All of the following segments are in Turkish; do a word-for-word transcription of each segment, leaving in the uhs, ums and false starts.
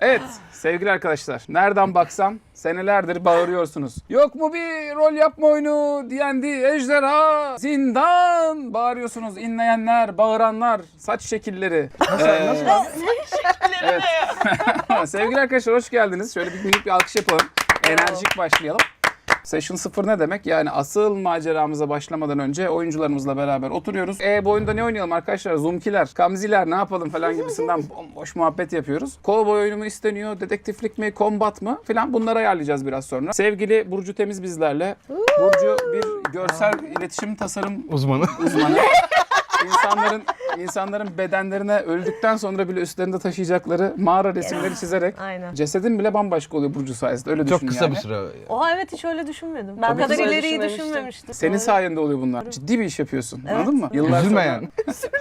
Evet sevgili arkadaşlar, nereden baksan senelerdir bağırıyorsunuz. Yok mu bir rol yapma oyunu, D and D, ejderha, zindan bağırıyorsunuz. İnleyenler, bağıranlar, saç şekilleri. Nasıl? Ee, Nasıl? evet. Sevgili arkadaşlar hoş geldiniz. Şöyle bir büyük bir alkış yapalım. Enerjik başlayalım. Session sıfır ne demek? Yani asıl maceramıza başlamadan önce oyuncularımızla beraber oturuyoruz. E bu oyunda ne oynayalım arkadaşlar? Zoomkiler, kamziler ne yapalım falan gibisinden bomboş muhabbet yapıyoruz. Cowboy oyunu mu isteniyor? Dedektiflik mi? Combat mı? Falan bunları ayarlayacağız biraz sonra. Sevgili Burcu Temiz bizlerle. Burcu bir görsel iletişim tasarım Uzmanı. uzmanı. İnsanların insanların bedenlerine öldükten sonra bile üstlerinde taşıyacakları mağara resimleri çizerek Aynen. cesedin bile bambaşka oluyor Burcu sayesinde. Öyle düşün Çok kısa yani. bir süre. Oha evet hiç öyle düşünmedim. Ben Tabii bu kadar ki. ileriyi Düşünmemiştim. düşünmemiştim. Senin Doğru. sayende oluyor bunlar. Ciddi bir iş yapıyorsun. Anladın mı? Yıllar Üzülme sonra- yani.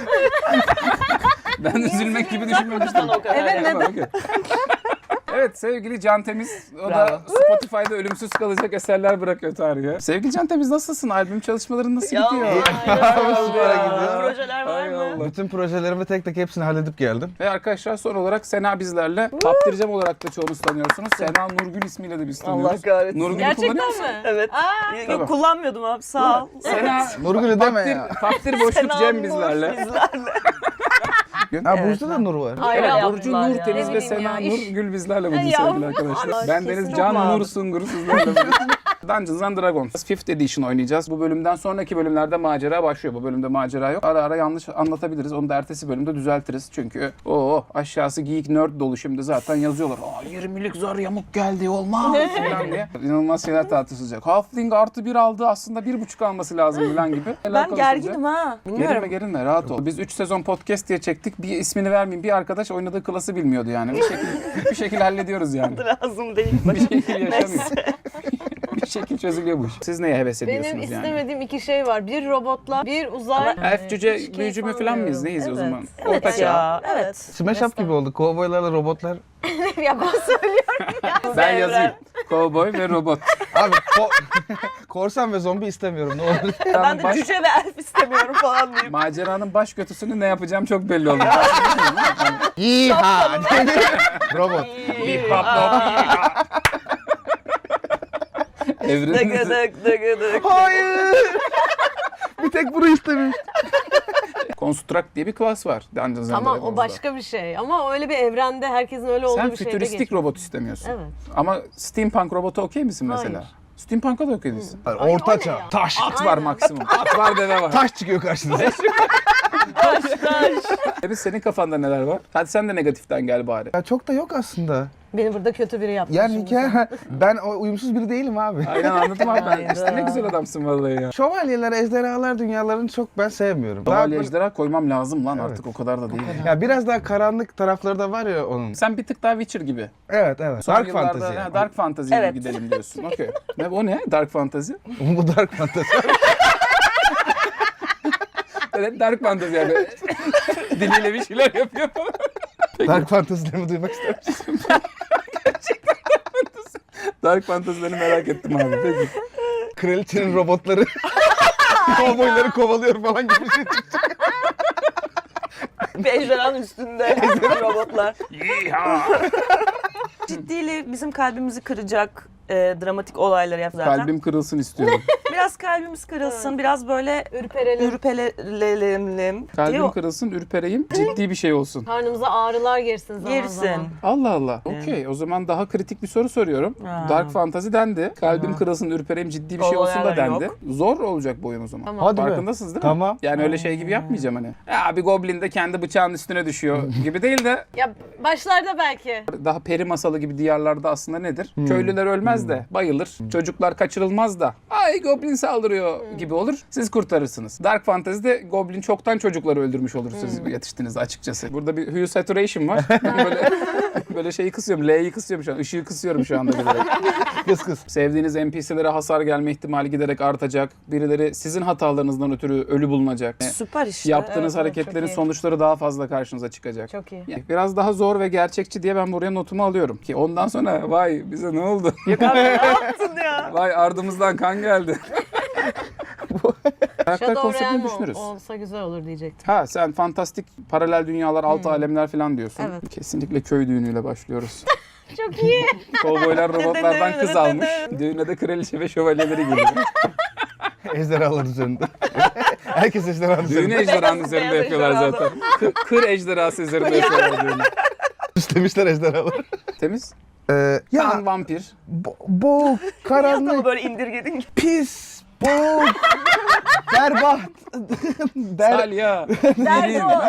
Ben üzülmek gibi düşünmemiştim. O kadar Evet, yani. neden? Tamam, okey. Evet sevgili Can Temiz, o da Bravo. Spotify'da ölümsüz kalacak eserler bırakıyor tarihe. Sevgili Can Temiz nasılsın? Albüm çalışmaların nasıl Ya, gidiyor? ya. Projeler var Hay mı? Allah. Bütün projelerimi tek tek hepsini halledip geldim. Ve arkadaşlar son olarak Sena bizlerle. Paptircem olarak da çoğunuz tanıyorsunuz. Sena Nurgül ismiyle de biz tanıyoruz. Allah kahretsin. Nurgül'ü kullanıyor Gerçekten musun? mi? Evet. Aa, Yok, Tamam. kullanmıyordum abi sağ ol. Sena, Nurgül'ü deme Paptir, ya. Paptir Boşluk Sena Cem Nur bizlerle. bizlerle. Ha Evet, Burcu'da da Nur var. Ayrı Evet, yaptılar Burcu ya. Nur Temiz Ne ve bileyim Sena ya, iş- Nur Gül bizlerle bugün Ya, sevgili arkadaşlar. Allah, Ben Deniz kesin Can çok Nur mağdur. Sungur sizlerle bugün. Dungeons and Dragons fifth Edition oynayacağız. Bu bölümden sonraki bölümlerde macera başlıyor. Bu bölümde macera yok. Ara ara yanlış anlatabiliriz. Onu da ertesi bölümde düzeltiriz. Çünkü o aşağısı geek nerd dolu şimdi zaten yazıyorlar. Aa yirmilik zar yamuk geldi olmaz falan diye. İnanılmaz şeyler tartışılacak. Halfling artı bir aldı aslında bir buçuk alması lazım falan gibi. Ben gerginim ha. Gerilme Bilmiyorum. gerilme rahat ol. Biz üç sezon podcast diye çektik. Bir ismini vermeyeyim. Bir arkadaş oynadığı klası bilmiyordu yani. Bir şekilde bir şekilde hallediyoruz yani. Lazım değil. Bir şekilde yaşanıyor. Bir şekilde çözülüyor bu iş. Siz neye heves ediyorsunuz Benim yani? istemediğim iki şey var. Bir robotla, bir uzay. Elf cüce Hiç büyücü mü keyif falan mıyız? Neyiz o Evet. zaman? Evet Orta çağ. ya. Evet. Smash Up gibi oldu. Kovboylarla robotlar. ya ben söylüyorum ya. Ben Evren. yazayım. Cowboy ve robot. Abi ko korsan ve zombi istemiyorum. Ne olur. Ben de baş- cüce ve elf istemiyorum falan diyeyim. Maceranın baş götüsünü ne yapacağım çok belli oldu. Yiha! Robot. Bip bap bop. Evrenin Dıgıdık dıgıdık. Hayır. Bir tek bunu istemiş. Construct diye bir klas var. Dungeons and Tamam Dragons'da. o başka bir şey. Ama öyle bir evrende herkesin öyle olduğu Sen bir şeyde fütüristik geçiyor. robot istemiyorsun. Evet. Ama steampunk robotu okey misin mesela? Hayır. Steampunk'a da okey değilsin. Ay, Orta o ne çağ. ya? Taş. At var Aynen. maksimum. At var deve var. Taş çıkıyor karşınıza. Taş taş. Biz senin kafanda neler var? Hadi sen de negatiften gel bari. Ya çok da yok aslında. Beni burada kötü biri yaptı. Yani şimdi. hikaye... Ben o uyumsuz biri değilim abi. Aynen anladım abi ben. Hayda. İşte ne güzel adamsın vallahi ya. Şövalyeler, ejderhalar dünyalarını çok ben sevmiyorum. Daha Şövalye böyle- ejderha koymam lazım lan Evet. artık o kadar da değil. Ya biraz daha karanlık tarafları da var ya onun. Sen bir tık daha Witcher gibi. Evet evet. Son Dark yıllarda, fantasy. ha, yani. Dark fantasy'ye Evet. gidelim diyorsun. Okey. Ne o ne? Dark fantasy? Bu dark fantasy. Evet dark fantasy yani. Diliyle bir şeyler yapıyor. Dark fantasy'lerimi duymak ister misin? Dark fantasy'lerini merak ettim abi. Peki. Kraliçenin robotları kovboyları kovalıyor falan gibi bir şey. Bir ejderhanın üstünde robotlar. Ciddiyle bizim kalbimizi kıracak e, dramatik olayları yap zaten. Kalbim kırılsın istiyorum. Biraz kalbimiz kırılsın, biraz böyle Ürperelim. ürpelelim. Kalbim diyor. kırılsın, ürpereyim. Ciddi bir şey olsun. Karnımıza ağrılar girsin zaman Girsin. zaman. Allah Allah. Okey. O zaman daha kritik bir soru soruyorum. Ha. Dark fantasy dendi. Kalbim kırılsın, ürpereyim, ciddi bir şey olsun da Olaylar dendi. yok. Zor olacak bu oyun o zaman. Tamam. Hadi be. Farkındasınız değil mi? Tamam. Yani öyle şey gibi yapmayacağım hani. Ya bir goblin de kendi bıçağının üstüne düşüyor gibi değil de Ya başlarda belki. daha peri masalı gibi diyarlarda aslında nedir? Köylüler ölmez de bayılır. Çocuklar kaçırılmaz da ay goblin saldırıyor gibi olur. Siz kurtarırsınız. Dark Fantasy'de goblin çoktan çocukları öldürmüş olur siz yetiştiğinizde açıkçası. Burada bir hue saturation var. böyle böyle şeyi kısıyorum. L'yi kısıyorum şu an. Işığı kısıyorum şu anda bilerek. Kız kız. Sevdiğiniz N P C'lere hasar gelme ihtimali giderek artacak. Birileri sizin hatalarınızdan ötürü ölü bulunacak. Süper işte. Yaptığınız Evet, evet, hareketlerin çok iyi. sonuçları daha fazla karşınıza çıkacak. Çok iyi. Yani biraz daha zor ve gerçekçi diye ben buraya notumu alıyorum. Ki ondan sonra vay bize ne oldu? Yok abi ne yaptın ya? Vay ardımızdan kan geldi. Karakter Shadow konseptini Realm ol- düşünürüz. olsa güzel olur diyecektim. Ha sen fantastik paralel dünyalar, alt alemler falan diyorsun. Evet. Kesinlikle köy düğünüyle başlıyoruz. Çok iyi. Kovboylar robotlardan kız almış. Düğüne de kraliçe ve şövalyeleri geliyor. Ejderhalar üzerinde. Herkes ejderhanın Düğünü üzerinde. ejderhanın üzerinde beyaz yapıyorlar ejderha. zaten. Kır, kır ejderhası üzerinde yapıyorlar düğünü. Süslemişler ejderhaları. Temiz. Ee, Ya ya vampir. bo- boğuk, Ama karanlık, böyle indirgedin. pis, boğuk, berbat, ber, Salya. Derdi o.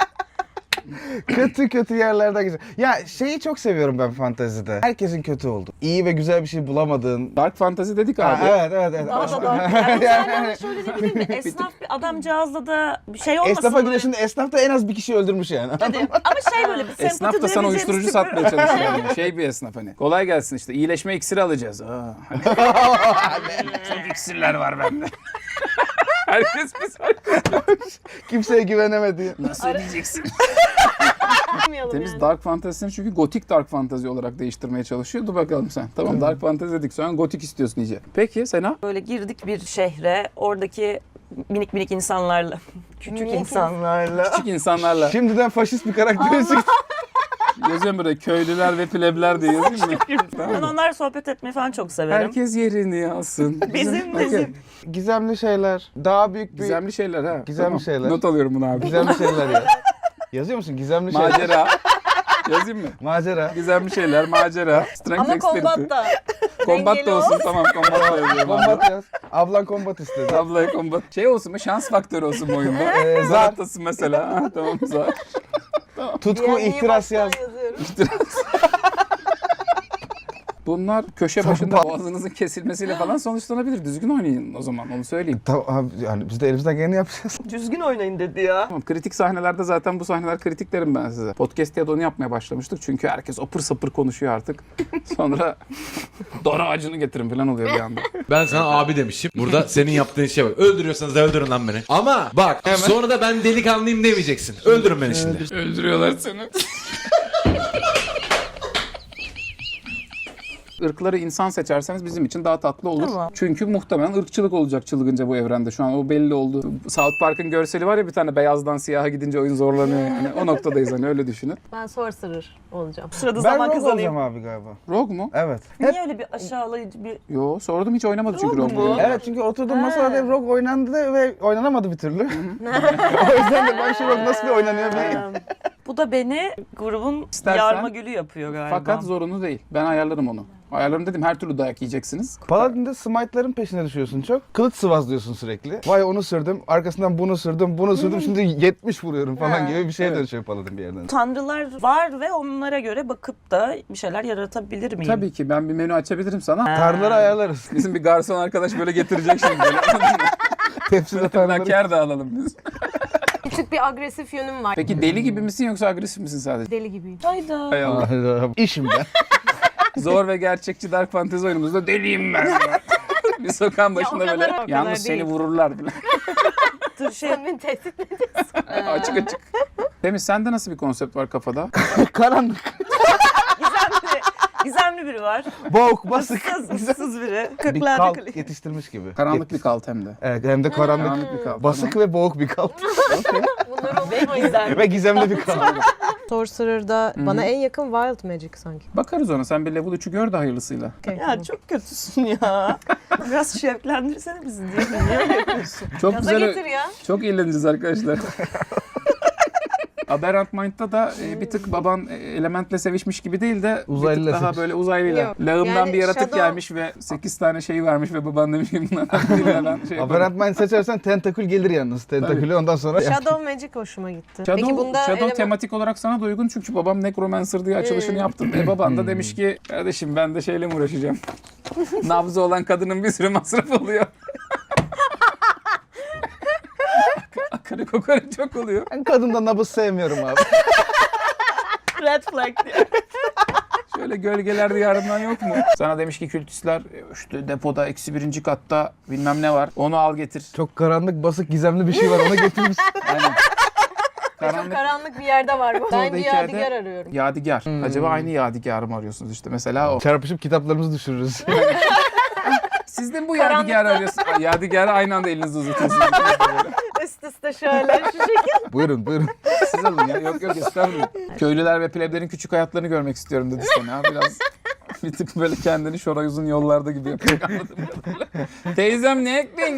kötü kötü yerlerden geçiyor. Ya şeyi çok seviyorum ben fantezide. Herkesin kötü oldu. İyi ve güzel bir şey bulamadığın. Dark fantasy dedik abi. Ha, evet evet evet. Daha da dark. Yani Yani- yani şöyle değil mi? Esnaf bir adamcağızla da bir şey olmasın. Esnafa böyle. gidiyor şimdi esnaf da en az bir kişi öldürmüş yani. Hadi. Ama şey böyle bir sempati Esnaf da sana duyabileceğimiz uyuşturucu tip satmaya böyle- çalışıyor. Yani. Şey bir esnaf hani. Kolay gelsin işte. İyileşme iksiri alacağız. Aa, hani. Çok iksirler var bende. Herkes bir Kimseye güvenemedi. Nasıl ödeyeceksin? Yapmayalım Temiz yani. Dark Fantasy'ni çünkü gotik Dark Fantasy olarak değiştirmeye çalışıyor. Dur bakalım sen. Tamam Dark Fantasy dedik. Sonra gotik istiyorsun iyice. Peki Sena? Böyle girdik bir şehre. Oradaki minik minik insanlarla, küçük Minik insanlarla. Küçük insanlarla. Şimdiden faşist bir karakter çıktı. Yazıyorum buraya köylüler ve plebler diye yazayım mı? Ben onlarla sohbet etmeyi falan çok severim. Herkes yerini alsın. Bizim Okey. bizim. Gizemli şeyler. Daha büyük bir... Gizemli şeyler ha. Gizemli şeyler. Not alıyorum bunu abi. Gizemli şeyler ya. Yazıyor musun? Gizemli şeyler. Macera. Yazayım mı? Macera. Gizemli şeyler, macera. Strength Ama dexterity. kombat da. Kombat dengeli da olsun olsun. tamam kombat da yazıyorum. Kombat yaz. Ablan kombat istedi. Ablaya kombat. Şey olsun mu? Şans faktörü olsun bu oyunda. Ee, Zar zar. atlasın mesela. Ha, tamam zar. Tutku, Diğer ihtiras niye yaz. baştan yazıyorum? Bunlar köşe başında boğazınızın kesilmesiyle falan sonuçlanabilir. Düzgün oynayın o zaman onu söyleyeyim. Tamam abi, yani biz de elimizden geleni yapacağız. Düzgün oynayın dedi ya. Tamam, kritik sahnelerde zaten bu sahneler kritik derim ben size. Podcast ya da onu yapmaya başlamıştık. Çünkü herkes apır sapır konuşuyor artık. Sonra dar ağacını getirin falan oluyor bir anda. Ben sana abi demişim. Burada senin yaptığın şey bak. Öldürüyorsanız da öldürün lan beni. Ama bak sonra da ben delikanlıyım demeyeceksin. Öldürün beni şimdi. Öldürüyorlar seni. Irkları insan seçerseniz bizim için daha tatlı olur. Tamam. Çünkü muhtemelen ırkçılık olacak çılgınca bu evrende. Şu an o belli oldu. South Park'ın görseli var ya bir tane beyazdan siyaha gidince oyun zorlanıyor yani. O noktadayız hani öyle düşünün. Ben sorcerer olacağım. Sırada Ben zaman rogue kazanayım. olacağım abi galiba. Rogue mu? Evet. Hep, Niye öyle bir aşağılayıcı bir... Yo sordum hiç oynamadı çünkü Rogue Rogue. mu? evet çünkü oturduğum masada hep rogue oynandı ve oynanamadı bir türlü. O yüzden de ben şu rogue nasıl bir oynanıyor bir... Ee, Bu da beni grubun İstersen- yarma gülü yapıyor galiba. Fakat zorunlu değil. Ben ayarlarım onu. Ayarlarım dedim her türlü dayak yiyeceksiniz. Paladin'de smite'ların peşine düşüyorsun çok. Kılıç sıvazlıyorsun sürekli. Vay onu sürdüm, arkasından bunu sürdüm, bunu sürdüm, şimdi yetmiş vuruyorum falan Ha, gibi bir şeye evet. dönüşüyor Paladin bir yerden. Tanrılar var ve onlara göre bakıp da bir şeyler yaratabilir miyim? Tabii ki ben bir menü açabilirim sana. Tanrıları ayarlarız. Bizim bir garson arkadaş böyle getirecek şimdi. Böyle. Tepside tanrıları. Laker de alalım biz. Küçük bir agresif yönüm var. Peki deli gibi misin yoksa agresif misin sadece? Deli gibiyim. Hayda. Hay Allah. Hayda. İşim ben. Zor ve gerçekçi Dark Fantasy oyunumuzda deliyim ben. Bir sokağın başında o kadar, böyle o kadar yalnız seni değil. vururlar bile. Dur şey Sen beni tehdit mi ediyorsun? açık açık. Temiz sende nasıl bir konsept var kafada? Karanlık, gizemli, gizemli biri var. boğuk, basık. Issız, ıssız biri. Bir Kırklarda kalt kalıyor. yetiştirmiş gibi. Karanlık bir kalt hem de. Evet hem de karanlık. Karanlık bir kalt. Basık ve boğuk bir kalt. Okey. Bunları unutmayın. Ve gizemli bir kalt. Sorcerer'da bana en yakın Wild Magic sanki. Bakarız ona. Sen bir level üçü gör de hayırlısıyla. Okay, Ya çok kötüsün ya. Biraz şevklendirsene bizi diye. Niye öyle yapıyorsun? Çok Gaza güzel. getir ya. Çok eğleneceğiz arkadaşlar. Aberrant Mind'da da e, bir tık baban e, elementle sevişmiş gibi değil de bir Uzaylıyla tık daha sevişmiş. böyle uzaylıyla. Yok. Lağımdan Yani bir yaratık Shadow- gelmiş ve sekiz tane şey vermiş ve baban demiş ki bunlardan birine ben şey yaparım. Aberrant Mind seçersen tentakül gelir yalnız. Tentakülü ondan sonra... Shadow Magic hoşuma gitti. Shadow, Peki bunda Shadow eleman- tematik olarak sana da uygun çünkü babam Necromancer diye açılışını Hmm. yaptım. E baban da demiş ki kardeşim ben de şeyle mi uğraşacağım? Nabzı olan kadının bir sürü masraf oluyor. Akarı kokarı çok oluyor. Ben kadında nabız sevmiyorum abi. Red flag diye. Şöyle gölgeler diyarından yok mu? Sana demiş ki kültistler işte depoda eksi birinci katta bilmem ne var. Onu al getir. Çok karanlık, basık, gizemli bir şey var onu getirmiş. Aynen. Çok Karanlık karanlık bir yerde var bu. Ben Orada bir hikayede- yadigar arıyorum. yadigar. Acaba aynı yadigarı mı arıyorsunuz işte mesela o. Çarpışıp kitaplarımızı düşürürüz. Siz de mi bu Yadigar'ı arıyorsunuz? Ay, Yadigar'ı aynı anda elinizi uzatıyorsunuz. Üst üste şöyle şu şekilde. Buyurun buyurun. Siz alın ya. Yok yok estağfurullah. Köylüler ve pleblerin küçük hayatlarını görmek istiyorum dedi sana. Biraz bir tık böyle kendini şoray uzun yollarda gibi yapıyor. Anladın mı? Teyzem ne ektin?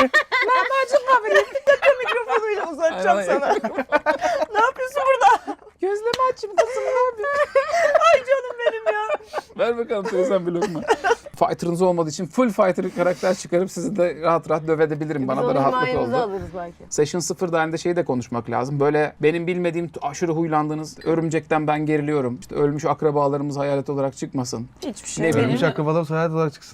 Mikrofonuyla uzatacağım Ay, sana. Ne yapıyorsun burada? Gözleme açayım kızım ne yapıyorsun? Ay canım benim ya. Ver bakalım teyzem bir lokma. Fighter'ınız olmadığı için full fighter karakter çıkarıp sizi de rahat rahat dövedebilirim. Bana da rahatlık oldu. alırız belki. Session sıfır halinde şeyi de konuşmak lazım. Böyle benim bilmediğim aşırı huylandığınız örümcekten ben geriliyorum. İşte ölmüş akrabalarımız hayalet olarak çıkmasın. Hiçbir şey. Ne benim. Ölmüş akrabalarım hayat olarak çıksın.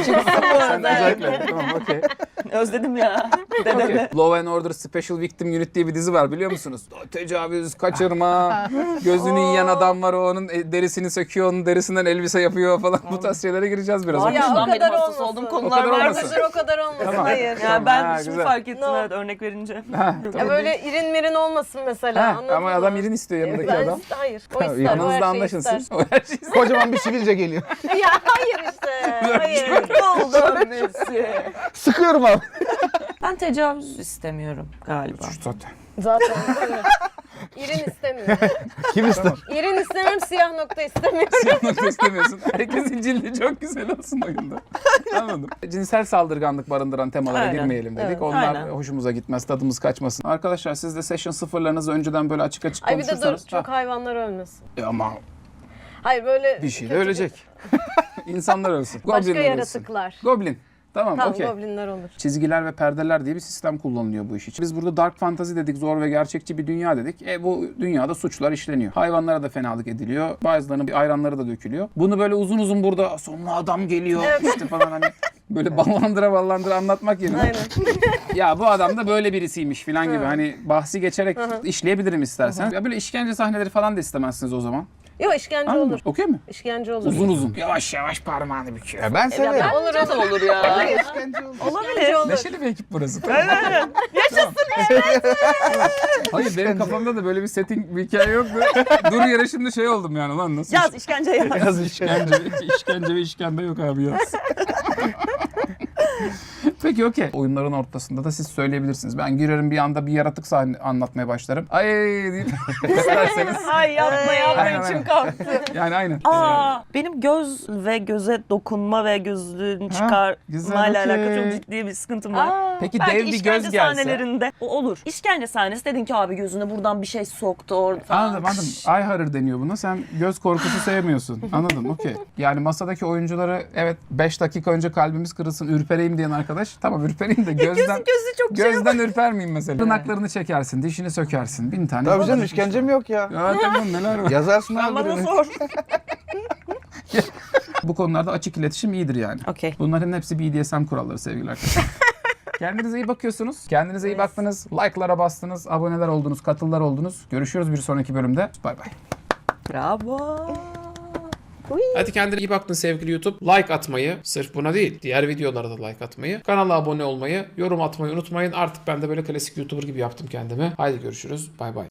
Sen özellikle. Tamam okey. Özledim ya. Dedemi. Okay. Law and Order Special Victim Unit diye bir dizi var biliyor musunuz? Tecavüz, kaçırma, gözünü yiyen adam var o onun derisini söküyor, onun derisinden elbise yapıyor falan. Bu tarz şeylere gireceğiz biraz. Var Okay. ya, Ya o Şundan benim kadar hassas olmasın. olduğum O konular kadar var. olmasın. Hayır o kadar olmasın. Tamam. Hayır. Ya ben Ha, şimdi güzel. fark ettim No. evet örnek verince. Ha, Ya tamam. böyle irin mirin olmasın mesela. Ha, anladın ama mı? adam irin istiyor yanındaki Ben adam. iste- hayır. O Tamam, ister. O her yanınızda şeyi anlaşın ister. siz. O her şeyi ister. Kocaman bir sivilce geliyor. Ya hayır işte. Hayır. Oldu Messi. Sıkıyorum abi. Ben tecavüz istemiyorum galiba. Zaten. Zaten öyle. İrin istemiyorum. Kim ister? İrin istemiyorum, siyah nokta istemiyorum. Siyah nokta istemiyorsun. Herkesin cildi çok güzel olsun oyunda. Anladım. Cinsel saldırganlık barındıran temalara Aynen. girmeyelim dedik. Evet. Onlar Aynen. hoşumuza gitmez, tadımız kaçmasın. Arkadaşlar siz de session sıfırlarınızı önceden böyle açık açık Ay bir de dur, konuşursanız. çok Ha, hayvanlar ölmesin. e ama Hayır böyle bir şey de kötü ölecek. İnsanlar ölsün. Başka Goblinler ölsün. yaratıklar. Goblin. Tamam, Tamam okey. goblinler olur. Çizgiler ve perdeler diye bir sistem kullanılıyor bu iş için. Biz burada dark fantasy dedik, zor ve gerçekçi bir dünya dedik. E bu dünyada suçlar işleniyor. Hayvanlara da fenalık ediliyor. Bazılarının bir ayranları da dökülüyor. Bunu böyle uzun uzun burada sonra adam geliyor işte falan hani böyle ballandıra ballandıra anlatmak yerine. Aynen. Ya bu adam da böyle birisiymiş falan gibi hani bahsi geçerek işleyebilirim istersen. Ya böyle işkence sahneleri falan da istemezsiniz o zaman. Yok işkence Anladın mı? olur. Okey mi? İşkence olur. Uzun uzun. Yavaş yavaş parmağını büküyor. Ya ben severim. Ya olur Bence de olur ya. Hayır. Olabilir. olur. Neşeli bir ekip burası. Aynen. Yaşasın Hayır benim kafamda da böyle bir setting bir hikaye yoktu. Dur yere şimdi şey oldum yani lan nasıl Yaz işkence yaz. Yaz işkence, işkence ve işkembe yok abi yaz. Peki okey. Oyunların ortasında da siz söyleyebilirsiniz. Ben girerim bir anda bir yaratık sahne anlatmaya başlarım. Ay deyip isterseniz. Ay yapma yapma Aynen, aynen. içim kalktı. Yani aynen. Aa, benim göz ve göze dokunma ve gözlüğün güzel, çıkarmayla okey. alakalı çok ciddi bir sıkıntım var. Aa, Peki Belki dev bir işkence göz gelse. sahnelerinde o olur. İşkence sahnesi dedin ki abi gözüne buradan bir şey soktu orada falan. Anladım anladım. Eye horror deniyor buna. Sen göz korkusu sevmiyorsun. Anladım okey. Yani masadaki oyuncuları evet beş dakika önce kalbimiz kırılsın ürpereyim diyen arkadaş. Tamam ürpereyim de gözden Gözü çok şey gözden ürpermeyeyim mesela. Tırnaklarını çekersin, dişini sökersin. Bin tane. Tabii canım işkence mi yok ya? Ya tamam neler var. Yazarsın Sen abi bana birini. sor. Bu konularda açık iletişim iyidir yani. Okey. Bunların hepsi B D S M kuralları sevgili arkadaşlar. Kendinize iyi bakıyorsunuz. Kendinize iyi baktınız. Like'lara bastınız. Aboneler oldunuz. Katıllar oldunuz. Görüşürüz bir sonraki bölümde. Bay bay. Bravo. Hadi kendine iyi baktın sevgili YouTube. Like atmayı, sırf buna değil, diğer videolara da like atmayı, kanala abone olmayı, yorum atmayı unutmayın. Artık ben de böyle klasik YouTuber gibi yaptım kendimi. Haydi görüşürüz. Bay bay.